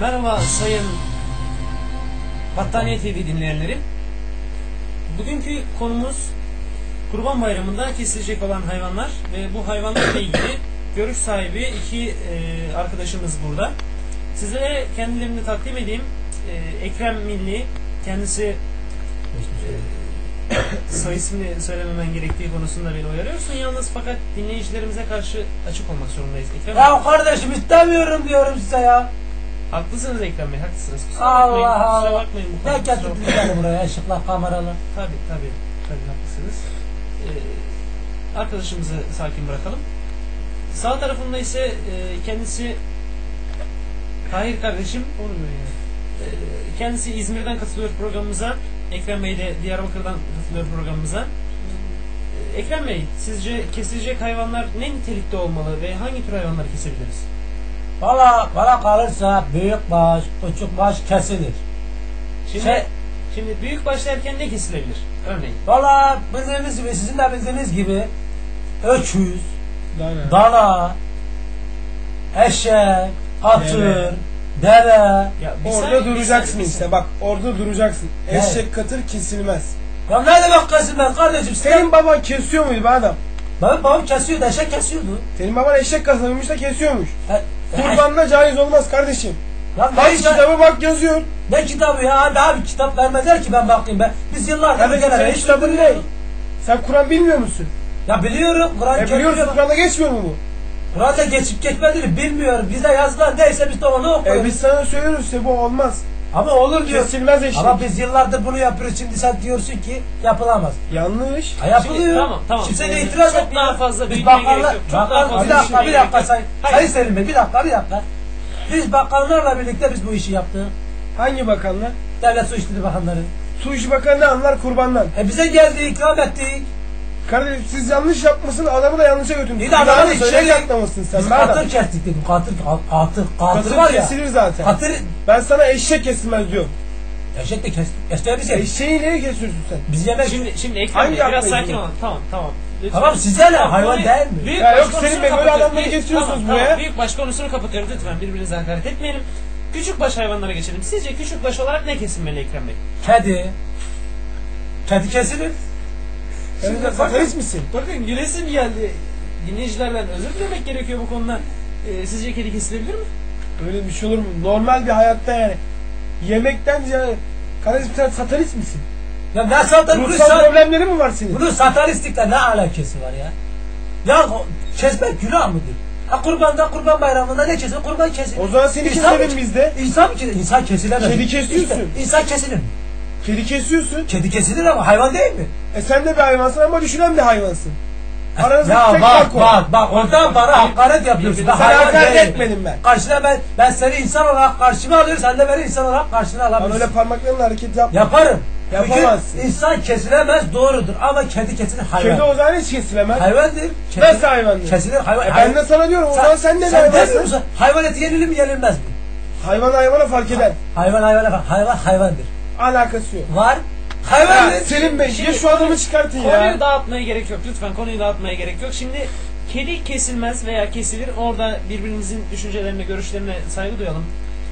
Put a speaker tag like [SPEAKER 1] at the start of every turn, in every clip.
[SPEAKER 1] Merhaba sayın Battaniye TV dinleyenleri. Bugünkü konumuz Kurban Bayramı'nda kesilecek olan hayvanlar ve bu hayvanlarla ilgili görüş sahibi iki arkadaşımız burada. Sizlere kendilerini takdim edeyim. Ekrem Milli, kendisi soy ismini söylememen gerektiği konusunda beni uyarıyorsun yalnız, fakat dinleyicilerimize karşı açık olmak zorundayız. Ekrem
[SPEAKER 2] ya kardeşim istemiyorum diyorum size ya.
[SPEAKER 1] Haklısınız Ekrem Bey, haklısınız.
[SPEAKER 2] Allah Allah.
[SPEAKER 1] Kusura bakmayın.
[SPEAKER 2] Ne getirdiniz beni buraya, ışıklar, kameralar?
[SPEAKER 1] Tabii haklısınız. Arkadaşımızı sakin bırakalım. Sağ tarafında ise kendisi Tahir kardeşim. Kendisi İzmir'den katılıyor programımıza. Ekrem Bey de Diyarbakır'dan katılıyor programımıza. Ekrem Bey, sizce kesilecek hayvanlar ne nitelikte olmalı ve hangi tür hayvanları kesebiliriz?
[SPEAKER 2] Bana kalırsa büyükbaş, küçükbaş kesilir.
[SPEAKER 1] Şimdi büyükbaş derken ne kesilebilir? Örneğin.
[SPEAKER 2] Bildiğiniz gibi, sizin de bildiğiniz gibi öküz, dana, eşek, atır, deve.
[SPEAKER 3] Orada duracaksın işte, bak orada duracaksın. Eşek katır kesilmez.
[SPEAKER 2] Ya ne demek kesilmez kardeşim?
[SPEAKER 3] Senin baban kesiyor muydu be adam?
[SPEAKER 2] Benim babam kesiyordu, eşek kesiyordu.
[SPEAKER 3] Senin baban eşek kasabıymış da kesiyormuş. Kurbanla caiz olmaz kardeşim.
[SPEAKER 2] Lan
[SPEAKER 3] bak kitaba bak yazıyor.
[SPEAKER 2] Ne kitabı ya? Abi kitap vermezler ki ben bakayım be. Biz yıllardır
[SPEAKER 3] senin kitabın ne? Sen Kur'an bilmiyor musun?
[SPEAKER 2] Ya biliyorum. Kur'an
[SPEAKER 3] biliyorsun, Kur'an'da geçmiyor mu bu?
[SPEAKER 2] Kur'an'da geçip geçmediğini bilmiyorum. Bize yazılan neyse biz de onu okuyoruz.
[SPEAKER 3] Biz sana söylüyoruz işte, bu olmaz.
[SPEAKER 2] Ama olur diyor.
[SPEAKER 3] Kesilmez eşek.
[SPEAKER 2] Ama biz yıllardır bunu yapıyoruz. Şimdi sen diyorsun ki yapılamaz.
[SPEAKER 3] Yanlış.
[SPEAKER 2] Yapılıyor.
[SPEAKER 1] Tamam.
[SPEAKER 2] Şimdi sen itiraz et.
[SPEAKER 1] Çok daha fazla
[SPEAKER 2] biz
[SPEAKER 1] büyütmeye gerek yok. Çok daha fazla
[SPEAKER 2] bir dakika Sayın Selim Bey, bir dakika. Biz bakanlarla birlikte biz bu işi yaptık.
[SPEAKER 3] Hangi bakanlar?
[SPEAKER 2] Devlet Su İşleri Bakanları.
[SPEAKER 3] Su İşi Bakanı ne anlar kurbandan?
[SPEAKER 2] Bize geldi, ikram ettik.
[SPEAKER 3] Kardeşim siz yanlış yapmışsın, adamı da yanlışa götürdün.
[SPEAKER 2] İyi de adamı da
[SPEAKER 3] şey yaklamışsın sen.
[SPEAKER 2] Biz katır kestik dedim, katır var ya.
[SPEAKER 3] Kesilir zaten.
[SPEAKER 2] Katır.
[SPEAKER 3] Ben sana eşek kesilmez diyorum.
[SPEAKER 2] Eşek de kestik.
[SPEAKER 3] Eşeği niye kesiyorsun sen?
[SPEAKER 2] Biz yemek.
[SPEAKER 1] Şimdi Ekrem Bey biraz sakin olun. Tamam.
[SPEAKER 2] Lütfen. Tamam, size ne? Hayvan değil mi?
[SPEAKER 3] Ya yok senin be, böyle adamları getiriyorsunuz buraya.
[SPEAKER 1] Tamam, büyükbaş konusunu kapatıyoruz lütfen, birbirinize hakaret etmeyelim. Küçükbaş hayvanlara geçelim. Sizce küçükbaş olarak ne kesilmeli Ekrem Bey?
[SPEAKER 2] Kedi kesilir.
[SPEAKER 3] Sen de satanist misin?
[SPEAKER 1] Bakın gülesim geldi. Dinleyicilerden özür dilemek gerekiyor bu konuda. Sizce kedi kesilebilir mi?
[SPEAKER 3] Öyle bir şey olur mu? Normal bir hayatta yani. Yemekten ziyade. Kardeşim sen satanist misin?
[SPEAKER 2] Ya ne satanist?
[SPEAKER 3] Ruhsal problemleri mi var senin?
[SPEAKER 2] Bunun satanistlikle ne alakası var ya? Ya kesmek günah mıdır? Kurban bayramında ne kesilir? Kurban kesilir.
[SPEAKER 3] O zaman seni keselim biz de.
[SPEAKER 2] İnsan kesilemez.
[SPEAKER 3] Kedi kesiyorsun.
[SPEAKER 2] İnsan kesilir mi?
[SPEAKER 3] Kedi kesiyorsun.
[SPEAKER 2] Kedi kesilir ama hayvan değil mi?
[SPEAKER 3] Sen de bir hayvansın ama düşünen bir hayvansın.
[SPEAKER 2] Ya bak oradan bana hakaret yapıyorsun.
[SPEAKER 3] Sen hakaret etmedim ben.
[SPEAKER 2] Karşına ben seni insan olarak karşıma alıyorum, sen de beni insan olarak karşına alabilirsin.
[SPEAKER 3] Öyle parmaklarınla hareket yapma.
[SPEAKER 2] Yaparım.
[SPEAKER 3] Yapamazsın.
[SPEAKER 2] Çünkü insan kesilemez, doğrudur, ama kedi kesilir, hayvan.
[SPEAKER 3] Kedi o zaman hiç kesilemez.
[SPEAKER 2] Hayvandır.
[SPEAKER 3] Nasıl hayvandır?
[SPEAKER 2] Kesilir hayvan.
[SPEAKER 3] Ben de sana diyorum, o zaman sen de hayvansın.
[SPEAKER 2] Hayvan eti yenilir mi, yenilmez mi?
[SPEAKER 3] Hayvan hayvana fark eder.
[SPEAKER 2] Hayvandır.
[SPEAKER 3] Alakası yok.
[SPEAKER 2] Var. Hayvandır.
[SPEAKER 3] Selim Bey, ya şu adamı çıkartın ya.
[SPEAKER 1] Konuyu dağıtmaya gerek yok. Lütfen konuyu dağıtmaya gerek yok. Şimdi kedi kesilmez veya kesilir. Orada birbirimizin düşüncelerine, görüşlerine saygı duyalım.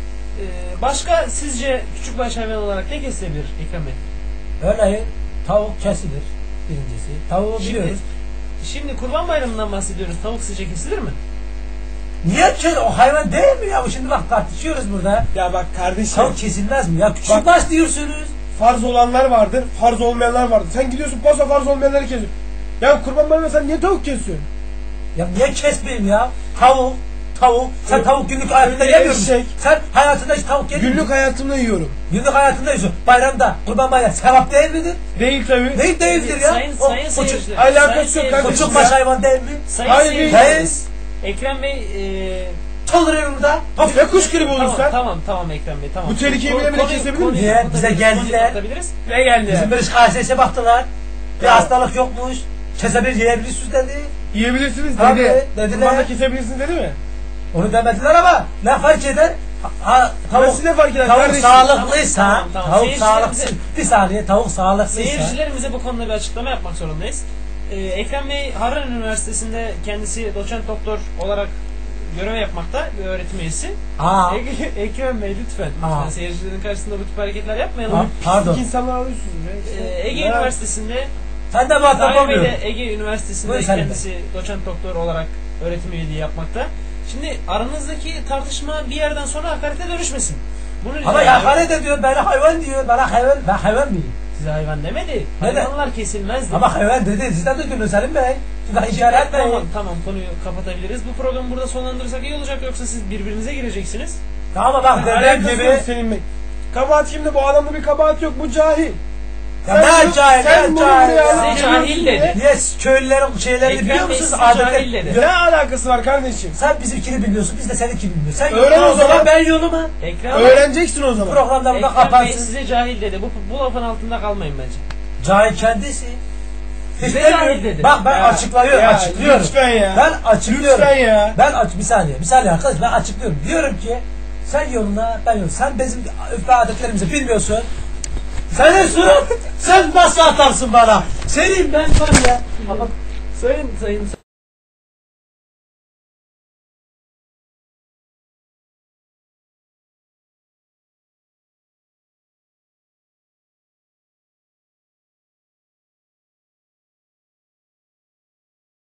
[SPEAKER 1] Başka sizce küçükbaş hayvan olarak ne kesilebilir Ekrem Bey?
[SPEAKER 2] Örneğin tavuk kesilir birincisi. Tavuğu biliyoruz.
[SPEAKER 1] Şimdi Kurban Bayramı'ndan bahsediyoruz. Tavuk sizce kesilir mi?
[SPEAKER 2] Niye kesilir? O hayvan değil mi ya? Şimdi bak tartışıyoruz burada.
[SPEAKER 3] Ya bak kardeşim.
[SPEAKER 2] Tavuk kesilmez mi ya? Küçükbaş diyorsunuz.
[SPEAKER 3] Farz olanlar vardır, farz olmayanlar vardır. Sen gidiyorsun posta farz olmayanları kesiyorsun. Ya Kurban Bayramı'nda sen niye tavuk kesiyorsun?
[SPEAKER 2] Ya niye kesmeyeyim ya? Tavuk. Sen tavuk günlük hayatında yemiyor musun? Sen hayatında hiç tavuk yedin mi?
[SPEAKER 3] Günlük hayatımda yiyorum.
[SPEAKER 2] Günlük hayatında yiyorsun. Bayramda, Kurban Bayramı sevap değil midir?
[SPEAKER 3] Değil tabii.
[SPEAKER 2] Değildir ya.
[SPEAKER 1] Sayın seyirciler.
[SPEAKER 3] Alakası yok kardeşim.
[SPEAKER 2] Küçükbaş hayvan değil mi?
[SPEAKER 1] Sayın
[SPEAKER 2] seyirciler.
[SPEAKER 1] Ekrem Bey
[SPEAKER 2] Çalırıyor burada.
[SPEAKER 3] Ya kuş gribi olursa?
[SPEAKER 1] Tamam Ekrem Bey, tamam.
[SPEAKER 3] Bu tehlikeyi bile kesebilir miyiz?
[SPEAKER 2] Niye? Bize geldiler.
[SPEAKER 3] Ne geldi?
[SPEAKER 2] Bizim bir KSS'e baktılar. Bir hastalık yokmuş. Kesebilir, yiyebilirsiniz dedi.
[SPEAKER 3] Yiyebilirsiniz
[SPEAKER 2] Tabii,
[SPEAKER 3] dedi.
[SPEAKER 2] dediler.
[SPEAKER 3] Kurbanla kesebilirsiniz dedi mi?
[SPEAKER 2] Onu demediler ama ne fark eder?
[SPEAKER 3] Nasıl ne fark eder
[SPEAKER 2] Tavuk
[SPEAKER 3] kardeşim?
[SPEAKER 2] sağlıklıysa,
[SPEAKER 1] Tamam.
[SPEAKER 2] tavuk sağlıksız. Bir saniye, tavuk sağlıksızsa.
[SPEAKER 1] Seyircilerimize bu konuda bir açıklama yapmak zorundayız. Ekrem Bey Harran Üniversitesi'nde kendisi doçent doktor olarak görev yapmakta bir öğretim üyesi.
[SPEAKER 2] Aa.
[SPEAKER 1] Ekrem Bey lütfen.
[SPEAKER 2] Aa.
[SPEAKER 1] Lütfen seyircilerin karşısında bu tip hareketler yapmayalım.
[SPEAKER 2] Pardon.
[SPEAKER 3] İlk insanlar alıyorsunuz.
[SPEAKER 1] Ege Üniversitesi'nde
[SPEAKER 2] Sen de muhatap
[SPEAKER 1] Tahir Bey
[SPEAKER 2] olmuyorsun.
[SPEAKER 1] de Ege Üniversitesi'nde
[SPEAKER 2] Buyur sen de.
[SPEAKER 1] kendisi doçent doktor olarak öğretim üyeliği yapmakta. Şimdi aranızdaki tartışma bir yerden sonra hakarete dönüşmesin. Bunu rica
[SPEAKER 2] Ama
[SPEAKER 1] ediyorum.
[SPEAKER 2] hakaret ediyor, bana hayvan diyor, bana hayvan, ben hayvan mıyım?
[SPEAKER 1] Size hayvan demedi.
[SPEAKER 2] Ne de?
[SPEAKER 1] Hayvanlar kesilmez dedi.
[SPEAKER 2] Ama hayvan dedi, sizden de gülüyor Selim Bey. Şimdi işaret etmeyin.
[SPEAKER 1] Tamam konuyu kapatabiliriz. Bu programı burada sonlandırırsak iyi olacak, yoksa siz birbirinize gireceksiniz.
[SPEAKER 2] Tamam bak dediğim
[SPEAKER 3] Alakası
[SPEAKER 2] gibi.
[SPEAKER 3] yok Selim Bey. Kabahat kimde? Bu adamda bir kabahat yok. Bu cahil.
[SPEAKER 2] Ya ne cahil,
[SPEAKER 3] sen
[SPEAKER 2] ne
[SPEAKER 3] bunu
[SPEAKER 2] cahil.
[SPEAKER 3] buraya
[SPEAKER 2] ya.
[SPEAKER 3] alıp
[SPEAKER 1] Size cahil
[SPEAKER 3] geliyorsun
[SPEAKER 1] dedi.
[SPEAKER 3] diye.
[SPEAKER 2] Yes, köylülerin şeylerini
[SPEAKER 1] Ekrem
[SPEAKER 2] biliyor
[SPEAKER 1] Bey
[SPEAKER 2] musunuz?
[SPEAKER 1] size
[SPEAKER 2] Adetler.
[SPEAKER 1] cahil dedi.
[SPEAKER 3] Ne alakası var kardeşim?
[SPEAKER 2] Sen bizimkini bilmiyorsun, biz de seninkini bilmiyoruz. Sen
[SPEAKER 3] Öğren
[SPEAKER 2] yoluna
[SPEAKER 3] o zaman.
[SPEAKER 2] ben yoluma.
[SPEAKER 1] Ekrem,
[SPEAKER 3] Öğreneceksin o zaman.
[SPEAKER 2] Programda burada
[SPEAKER 1] Ekrem Bey
[SPEAKER 2] kapansın.
[SPEAKER 1] size cahil dedi. Bu lafın altında kalmayın bence.
[SPEAKER 2] Cahil kendisi.
[SPEAKER 1] Size
[SPEAKER 2] İstemiyorum.
[SPEAKER 1] cahil dedi.
[SPEAKER 2] Bak ben
[SPEAKER 3] Ya,
[SPEAKER 2] açıklıyorum,
[SPEAKER 3] ya,
[SPEAKER 2] açıklıyorum.
[SPEAKER 3] lütfen ya.
[SPEAKER 2] Ben açıklıyorum.
[SPEAKER 3] Lütfen ya.
[SPEAKER 2] Bir saniye arkadaş, ben açıklıyorum. Diyorum ki sen yoluna, ben yoluna. Sen bizim öfke adetlerimizi bilmiyorsun. Sen nasıl atarsın bana? Senin ben var ya.
[SPEAKER 1] Sayın